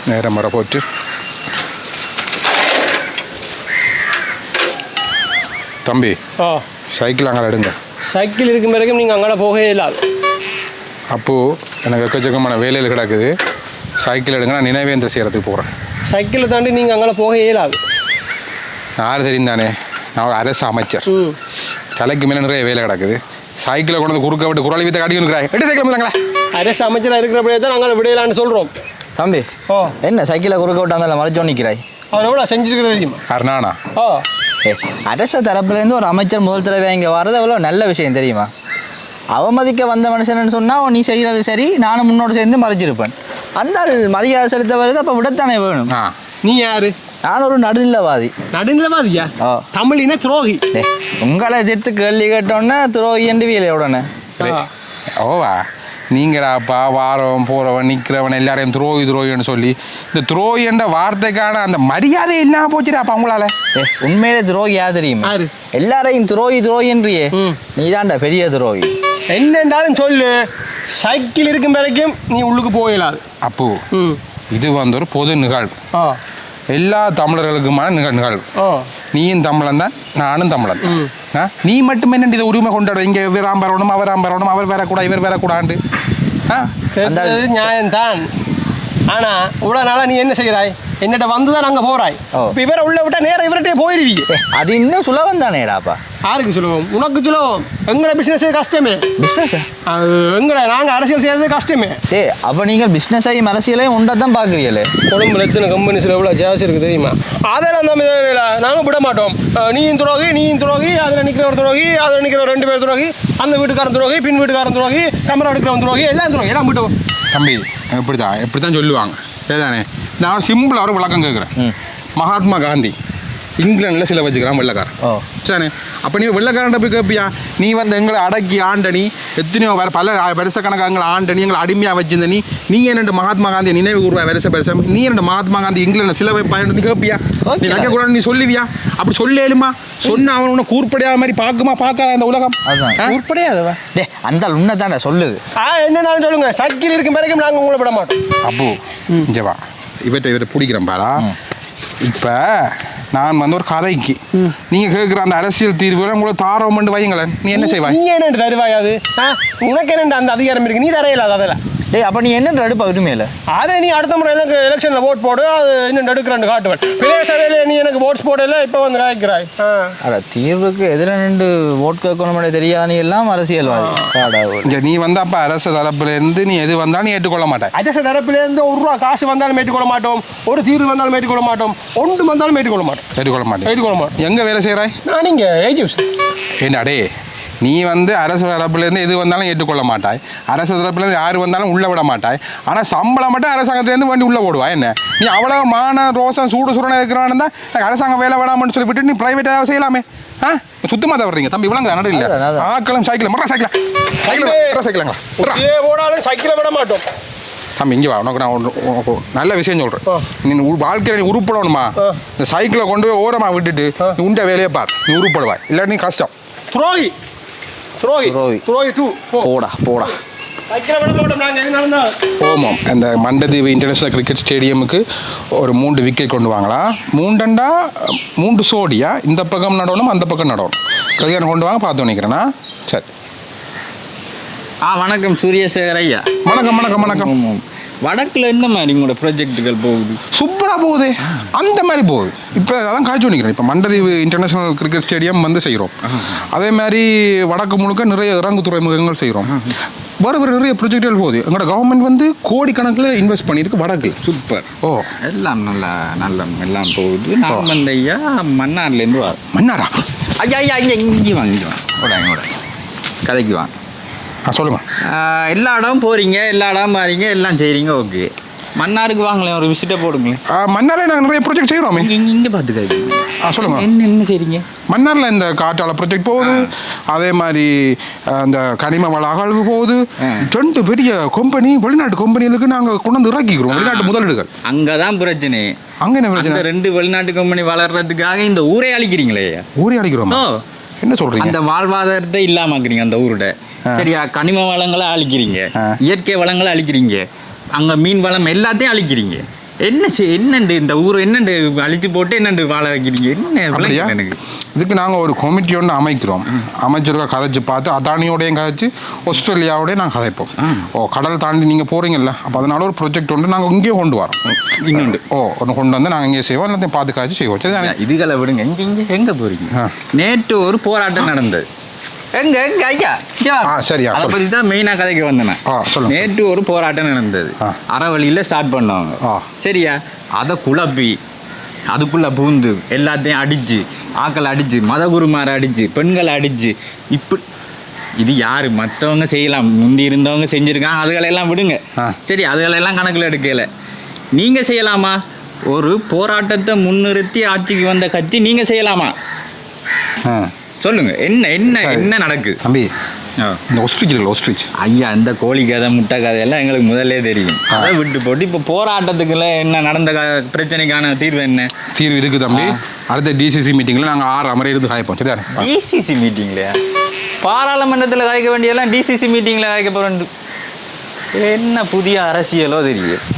நேரம் வர போச்சு. தம்பி சைக்கிள் அங்கே எடுங்க. சைக்கிள் இருக்கும் வரைக்கும் நீங்கள் அங்கே போகவே இல்லாது. அப்போது எனக்கு எக்கச்சக்கமான வேலையில் கிடக்குது. சைக்கிள் எடுங்க, நான் நினைவேந்திர செய்கிறதுக்கு போகிறேன். சைக்கிளை தாண்டி நீங்கள் அங்கே போக இயலாது. யார் தெரியும் தானே, நான் ஒரு அரசு அமைச்சர். தலைக்கு மேலே நிறைய வேலை கிடக்குது. சைக்கிளை கொண்டு வந்து குறுக்க விட்டு குரலை வித்த காட்டிக்கிறாங்க. எட்டு சைக்கிள் முடியாங்களா? அரசு அமைச்சராக இருக்கிறப்படியே தான் நாங்கள் விடையிலான்னு சொல்கிறோம். தம்பி என்ன சைக்கிளை குறுக்க விட்டாந்தால மறைச்சோ நிற்கிறாய்? அவர் எவ்வளோ செஞ்சுருக்கிறது தெரியுமா? அருணானா அரச தரப்புலேருந்து ஒரு அமைச்சர் முதல் தலைவர் இங்கே வர்றது எவ்வளோ நல்ல விஷயம் தெரியுமா? அவமதிக்க வந்த மனுஷன்னு சொன்னால் நீ செய்கிறது சரி, நானும் முன்னோடு சேர்ந்து மறைச்சிருப்பேன். அந்த மரியாதை செலுத்த வருது, அப்போ விடத்தானே வேணும். நீ யாரு? நான் ஒரு நடுநிலவாதி. நடுநிலவாதியா? தமிழின துரோகி. உங்களை எதிர்த்து கேள்வி கேட்டோன்னே துரோகி என்று வீலை உடனே ஓவா நீங்களாப்பா வாரம் போகிறவன் நிற்கிறவன் எல்லாரையும் துரோகின்னு சொல்லி இந்த துரோகி என்ற வார்த்தைக்கான அந்த மரியாதை என்ன போச்சுடாப்பா உங்களால? உண்மையிலே துரோகி யார் தெரியுமா? எல்லாரையும் துரோகின்றியே, நீ தான்டா பெரிய துரோகி. என்னென்றாலும் சொல்லு, சைக்கிள் இருக்கும் வரைக்கும் நீ உள்ளுக்கு போயிடாது. அப்போ இது வந்து ஒரு பொது நிகழ்வு, எல்லா தமிழர்களுக்குமான நிகழ்வு. நீயும் தமிழன் தான், நானும் தமிழன். நீ மட்டும் என்ன இதை உரிமை கொண்டாட? இங்கே இவராம் வரணும், அவராம் வரணும், அவர் வரக்கூடாது, இவர் வரக்கூடாது. நியாயம்தான். ஆனால் இவ்வளோ நாளாக நீ என்ன செய்கிறாய்? என்னட்ட வந்து தான் அங்கே போகிறாய். இப்போ இவரை உள்ள விட்டால் நேரம் இவர்கிட்டே போயிருவீங்க. அது இன்னும் சுலபம் தானேடாப்பா. யாருக்கு சுலபம்? உனக்கு சுலபம். எங்கட பிஸ்னஸே கஷ்டமே. பிஸ்னஸா? எங்கட நாங்கள் அரசியல் செய்யறது கஷ்டமே. அப்போ நீங்கள் பிஸ்னஸையும் அரசியலையும் உண்டை தான் பார்க்குறீங்களே. கொழும்புல எத்தனை கம்பெனிஸில் எவ்வளோ ஜாஸ் இருக்குது தெரியுமா? அதெல்லாம் தான் நாங்கள் விட மாட்டோம். நீயும் துரோகி, அதில் நிற்கிற ஒரு துரோகி, அதில் நிற்கிற 2 பேர் துரோகி, அந்த வீட்டுக்காரன் துரோகி, பின் வீட்டுக்காரன் துரோகி, கேமரா எடுக்கிறவன் துரோகி, எல்லாம் துரோகி, எல்லாம் விட்டுவோம். தம்பி எப்படி தான் சொல்லுவாங்க சரிதானே? நான் சிம்பிளாக ஒரு விளக்கம் கேட்குறேன். மகாத்மா காந்தி இங்கிலாண்டில் சில வச்சுக்கிறான் வெள்ளைக்காரன். சரி, அப்போ நீ வெள்ளைக்காரன் போய் கேட்பியா? நீ வந்து எங்களை அடக்கி ஆண்டனி, எத்தனையோ வேறு பல வருஷக்கணக்காக எங்களை ஆண்டனி, எங்களை அடிமையாக வச்சிருந்த நீ என்னென்று மகாத்மா காந்தியை நினைவு கூறுவா? வருஷம் நீ என்னென்று மகாத்மா காந்தி இங்கிலாண்டில் சில பயன்படுத்தி கேட்பியா? நீ வைக்கக்கூடாது நீ சொல்லுவியா? அப்படி சொல்லேலுமா? சொன்ன அவன் உன்னை கூர்ப்படையாத மாதிரி பார்க்காத அந்த உலகம் கூர்ப்படையாதவா? அந்த உன்னை தானே சொல்லுது. என்னன்னு சொல்லுங்க. சைக்கிள் இருக்கும் வரைக்கும் நாங்கள் உங்களை விட மாட்டோம். அப்போ இங்கேவா இவற்றை பிடிக்கிறேன் பாரா. இப்போ நான் வந்து ஒரு கதைக்கு நீங்கள் கேட்குற அந்த அரசியல் தீர்வுகளை உங்களை தாரம் பண்ணி வைங்களேன், நீ என்ன செய்வாய்? நீ என்ன தருவாயாது? உனக்கு என்ன அந்த அதிகாரம் இருக்கு? நீ தரையில்லாத அதெல்லாம். அப்போ நீ என்ன எடுப்பா உரிமையில? அதை நீ அடுத்த முறை எனக்கு எலெக்ஷனில் ஓட் போடு, அது இன்னும் எடுக்கிறேன் காட்டுவேன். பெரிய சபையில் நீ எனக்கு ஓட்ஸ் போடல, இப்போ வந்து காய்க்கிறாய். தீர்வுக்கு எதிராக நின்று ஓட் கேட்கணுமே தெரியாத நீ எல்லாம் அரசியல்வாதி. நீ வந்து அப்போ அரசு தரப்புலேருந்து நீ எது வந்தாலும் நீ ஏற்றுக்கொள்ள மாட்டேன். அரசு தரப்புலேருந்து ₹1 காசு வந்தாலும் ஏற்றுக்கொள்ள மாட்டோம், ஒரு தீர்வு வந்தாலும் ஏற்றுக்கொள்ள மாட்டோம், ஒன்று வந்தாலும் ஏற்றுக்கொள்ள மாட்டோம். எங்கே வேலை செய்கிறாய்? நான் இங்கே ஏஜிப்ஸ். என்னடே நீ வந்து அரசு தரப்புலேருந்து எது வந்தாலும் ஏற்றுக்கொள்ள மாட்டாய், அரசு தரப்புலேருந்து யார் வந்தாலும் உள்ளே விட மாட்டாய். ஆனால் சம்பளம் மட்டும் அரசாங்கத்துலேருந்து வண்டி உள்ளே போடுவா. என்ன நீ அவ்வளோ மான ரோசம் சுரணை இருக்கிறவன் தான் அரசாங்கம் வேலை வேணாமன்னு சொல்லி விட்டு நீ ப்ரைவேட்டாக செய்யலாமே. சுத்தமாக தவறீங்க தம்பி. விளங்க நடு இல்லை ஆக்களும் சைக்கிளும் சைக்கிளாங்களா போனாலும் சைக்கிளை விட மாட்டோம். தம்பி இங்கே வா, உனக்கு நான் நல்ல விஷயம் சொல்கிறேன். நீ வாழ்க்கையில் நீ உருப்படணுமா? இந்த சைக்கிளை கொண்டு போய் ஓரமாக விட்டுட்டு நீ உண்ட வேலையை பார், நீ உருப்படுவாய். இல்லை நீ கஷ்டம். துரோகி போடா. ஓமம் அந்த மண்டதீவு இன்டர்நேஷனல் கிரிக்கெட் ஸ்டேடியமுக்கு ஒரு 3 விக்கெட் கொண்டு வாங்கலாம். 3 சோடியா, இந்த பக்கம் நடணும் அந்த பக்கம் நடணும். கல்யாணம் கொண்டு வாங்க, பார்த்து நினைக்கிறேன்னா. சரி. வணக்கம் சூரியசேகர் ஐயா. வணக்கம். வடக்கில் என்ன மாதிரி உங்களோட ப்ராஜெக்டுகள் போகுது? சூப்பராக போகுது, அந்த மாதிரி போகுது. இப்போ அதான் காய்ச்சி நிற்கிறேன். இப்போ மண்டதீவு இன்டர்நேஷனல் கிரிக்கெட் ஸ்டேடியம் வந்து செய்கிறோம். அதே மாதிரி வடக்கு முழுக்க நிறைய இறங்கு துறைமுகங்கள் செய்கிறோம். வேறு நிறைய ப்ரொஜெக்டுகள் போகுது. எங்களோட கவர்மெண்ட் வந்து கோடிக்கணக்கில் இன்வெஸ்ட் பண்ணியிருக்கு வடக்கு. சூப்பர். எல்லாம் எல்லாம் போகுது. நான் வந்து ஐயா மன்னார்லேருந்து மன்னாரா? ஐயா இங்கே வாங்க கதைக்கு வாங்க. சொல்லுங்க. எல்லா இடம் போகிறீங்க, எல்லா இடம் மாறீங்க, எல்லாம் செய்கிறீங்க. ஓகே, மன்னாருக்கு வாங்களேன், ஒரு விசிட்டை போடுங்களேன். மன்னாரில் நாங்கள் நிறைய ப்ராஜெக்ட் செய்கிறோம். இங்கே பார்த்துக்காது. சொல்லுங்க. என்ன செய்கிறீங்க மன்னாரில்? இந்த காற்றாலை ப்ராஜெக்ட் போகுது. அதே மாதிரி அந்த கனிம வள அகழ்வு போகுது. 2 பெரிய கம்பெனி, வெளிநாட்டு கம்பெனிகளுக்கு நாங்கள் கொண்டு வந்து இறக்கிக்கிறோம். வெளிநாட்டு முதலீடுகள். அங்கே தான் பிரச்சனை. அங்கே என்ன பிரச்சனை? 2 வெளிநாட்டு கம்பெனி வளர்றதுக்காக இந்த ஊரே அழிக்கிறீங்களே. ஊரே அழிக்கிறோம்? என்ன சொல்கிறீங்க? அந்த வாழ்வாதாரத்தை இல்லாமக்கிறீங்க அந்த ஊரோட. சரியா, கனிம வளங்களை அழிக்கிறீங்க, இயற்கை வளங்களை அழிக்கிறீங்க, அங்கே மீன் வளம் எல்லாத்தையும் அழிக்கிறீங்க. என்னண்டு இந்த ஊர் என்னண்டு அழிச்சு போட்டு என்னண்டு வாழ வைக்கிறீங்க என்ன அப்படியா? எனக்கு இதுக்கு நாங்கள் ஒரு கமிட்டி ஒன்று அமைக்கிறோம். அமைச்சருக்கா கதைச்சு பார்த்து அதானியோடையும் கதைச்சு ஆஸ்திரேலியாவோடய நாங்கள் கதைப்போம். கடல் தாண்டி நீங்கள் போகிறீங்கல்ல, அப்போ அதனால ஒரு ப்ரொஜெக்ட் ஒன்று நாங்கள் இங்கேயே கொண்டு வரோம். இன்னொன்று ஒன்று கொண்டு வந்து நாங்கள் இங்கே செய்வோம், எல்லாத்தையும் பார்த்து காய்ச்சி செய்வோம். சரி, இதுகளை விடுங்க. எங்கே போகிறீங்க? நேற்று ஒரு போராட்டம் நடந்தது. எங்க ஐயா சரியா, அதை பற்றி தான் மெயினாக கதைக்கு வந்தேன். நேற்று ஒரு போராட்டம் நடந்தது. அறவழியில் ஸ்டார்ட் பண்ணவங்க. சரியா, அதை குழப்பி அதுக்குள்ளே பூந்து எல்லாத்தையும் அடித்து, ஆக்களை அடித்து, மதகுருமாரை அடித்து, பெண்களை அடித்து, இப்படி இது யார்? மற்றவங்க செய்யலாம், முந்தி இருந்தவங்க செஞ்சுருக்காங்க, அதுகளெல்லாம் விடுங்க. சரி, அதுகளெல்லாம் கணக்கில் எடுக்கலை. நீங்கள் செய்யலாமா? ஒரு போராட்டத்தை முன்னிறுத்தி ஆட்சிக்கு வந்த கட்சி நீங்கள் செய்யலாமா? சொல்லுங்க. என்ன நடக்குது தம்பி? இந்த ஒஸ்ட்ரிச் ஐயா, இந்த கோழி கதை முட்டை கதையெல்லாம் எங்களுக்கு முதல்லே தெரியும். அதை விட்டு போட்டு இப்போ போராட்டத்துக்குள்ள என்ன நடந்த பிரச்சனைக்கான தீர்வு என்ன? தீர்வு இருக்குது தம்பி. அடுத்த டிசிசி மீட்டிங்கில் நாங்கள் 6 அமரை இருந்து காய்ப்போம். சரியா? டிசிசி மீட்டிங்லையா? பாராளுமன்றத்தில் காய்க்க வேண்டியெல்லாம் டிசிசி மீட்டிங்கில் காய்க்க போகிறோம். என்ன புதிய அரசியலோ தெரியுது.